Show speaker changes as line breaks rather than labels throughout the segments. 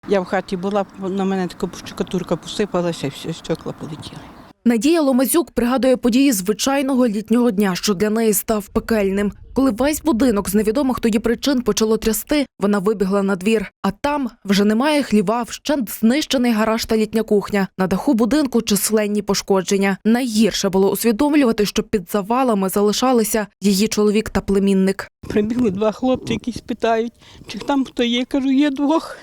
Я в хаті була, на мене така штукатурка посипалася, і все, стекла полетіли.
Надія Ломазюк пригадує події звичайного літнього дня, що для неї став пекельним. Коли весь будинок з невідомих тоді причин почало трясти, вона вибігла на двір. А там вже немає хліва, вщент знищений гараж та літня кухня. На даху будинку численні пошкодження. Найгірше було усвідомлювати, що під завалами залишалися її чоловік та племінник.
Прибігли два хлопці, які питають, чи там хто є. Кажу, є двох.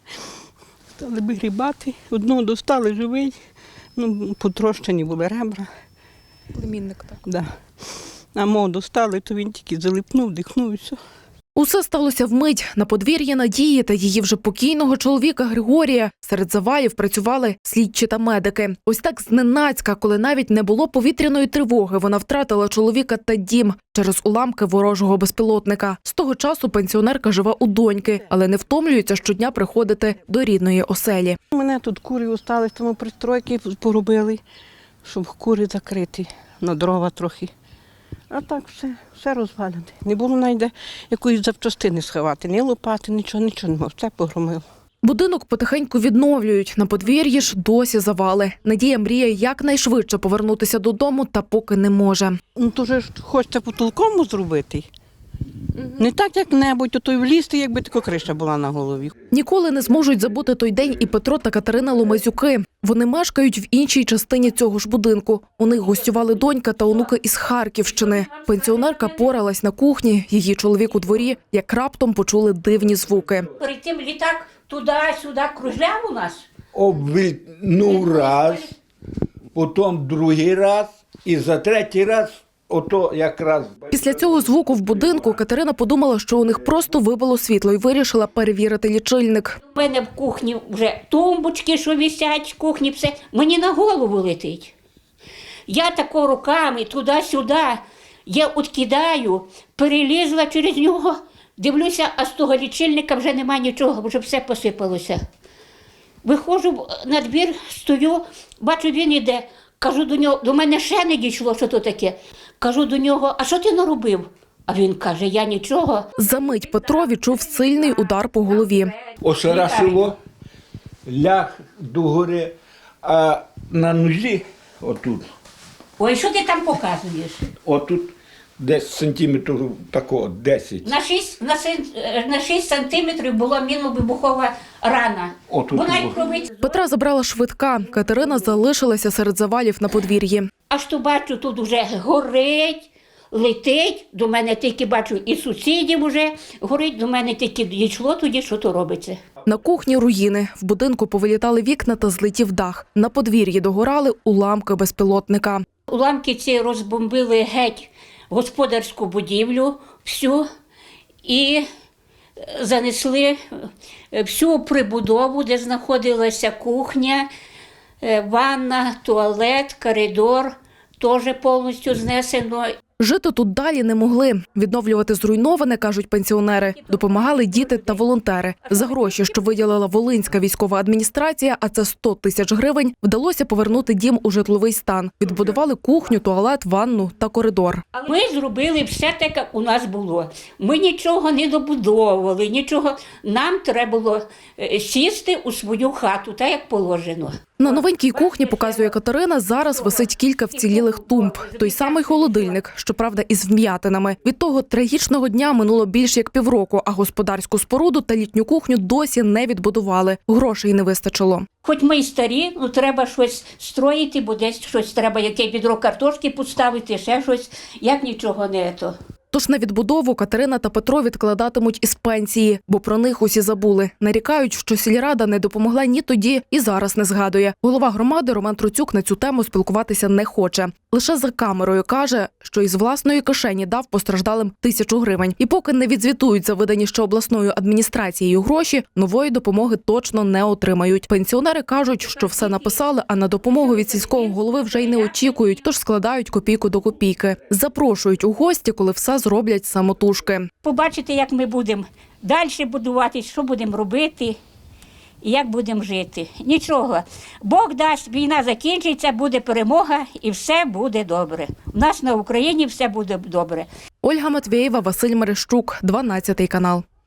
Стали вигрібати. Одного достали живий. Потрощені були ребра.
Племінник, так.
Да. А мого достали, то він тільки залипнув, дихнув і все.
Усе сталося вмить. На подвір'ї Надії та її вже покійного чоловіка Григорія серед завалів працювали слідчі та медики. Ось так зненацька, коли навіть не було повітряної тривоги, вона втратила чоловіка та дім через уламки ворожого безпілотника. З того часу пенсіонерка живе у доньки, але не втомлюється щодня приходити до рідної оселі.
У мене тут кури остались, тому пристройки поробили, щоб кури закрити, на дрова трохи. А так все розвалене. Не було навіть якоїсь запчастини сховати, ні лопати, нічого немає, все погромило.
Будинок потихеньку відновлюють, на подвір'ї ж досі завали. Надія мріє якнайшвидше повернутися додому, та поки не може.
То вже ж хочеться по-толкому зробити. Не так як-небудь, то й влізти, якби така криша була на голові.
Ніколи не зможуть забути той день і Петро та Катерина Ломазюки. Вони мешкають в іншій частині цього ж будинку. У них гостювали донька та онуки із Харківщини. Пенсіонерка поралась на кухні, її чоловік у дворі, як раптом почули дивні звуки.
Перед тим літак туди-сюди кружляв у нас.
Обвільнув раз, потім другий раз і за третій раз ото якраз.
Після цього звуку в будинку Катерина подумала, що у них просто вибило світло і вирішила перевірити лічильник.
У мене в кухні вже тумбочки, що висять, в кухні все. Мені на голову летить. Я тако руками туди-сюди, я откидаю, перелізла через нього, дивлюся, а з того лічильника вже немає нічого, вже все посипалося. Виходжу на двір, стою, бачу, він іде. Кажу до нього, до мене ще не дійшло, що то таке. Кажу до нього, а що ти наробив? А він каже, я нічого.
Замить Петро відчув сильний удар по голові.
Ошарашило, ляг догори, а на нозі отут,
Ой, що ти там показуєш?
отут десь сантиметрів такого, 10.
На 6 сантиметрів була мінно-вибухова рана.
Отут
Вона й
було.
кровить.
Петра забрала швидка. Катерина залишилася серед завалів на подвір'ї.
Аж то бачу, тут вже горить, летить. До мене тільки бачу, і сусідів вже горить. До мене тільки дійшло тоді, що то робиться.
На кухні руїни. В будинку повилітали вікна та злетів дах. На подвір'ї догорали уламки безпілотника.
Уламки ці розбомбили геть господарську будівлю всю і занесли всю прибудову, де знаходилася кухня, ванна, туалет, коридор, теж повністю знесено.
Жити тут далі не могли. Відновлювати зруйноване, кажуть пенсіонери. Допомагали діти та волонтери. За гроші, що виділила Волинська військова адміністрація, а це 100 тисяч гривень, вдалося повернути дім у житловий стан. Відбудували кухню, туалет, ванну та коридор.
Ми зробили все так, як у нас було. Ми нічого не добудовували, нічого. Нам треба було сісти у свою хату, так як положено.
На новенькій кухні, показує Катерина, зараз висить кілька вцілілих тумб. Той самий холодильник, щоправда, із вм'ятинами. Від того трагічного дня минуло більш як півроку, а господарську споруду та літню кухню досі не відбудували. Грошей не вистачило.
Хоч ми й старі, ну треба щось строїти, бо десь щось треба, яке відро картошки поставити, ще щось, як нічого не то.
Тож на відбудову Катерина та Петро відкладатимуть із пенсії, бо про них усі забули. Нарікають, що сільрада не допомогла ні тоді і зараз не згадує. Голова громади Роман Труцюк на цю тему спілкуватися не хоче. Лише за камерою каже, що із власної кишені дав постраждалим 1000 гривень. І поки не відзвітують за видані ще обласною адміністрацією гроші, нової допомоги точно не отримають. Пенсіонери кажуть, що все написали, а на допомогу від сільського голови вже й не очікують, тож складають копійку до копійки. Запрошують у гості, коли все зроблять самотужки.
Побачити, як ми будемо далі будувати, що будемо робити і як будемо жити. Нічого. Бог дасть, війна закінчиться, буде перемога і все буде добре. У нас на Україні все буде добре.
Ольга Матвєєва, Василь Мерещук, 12 канал.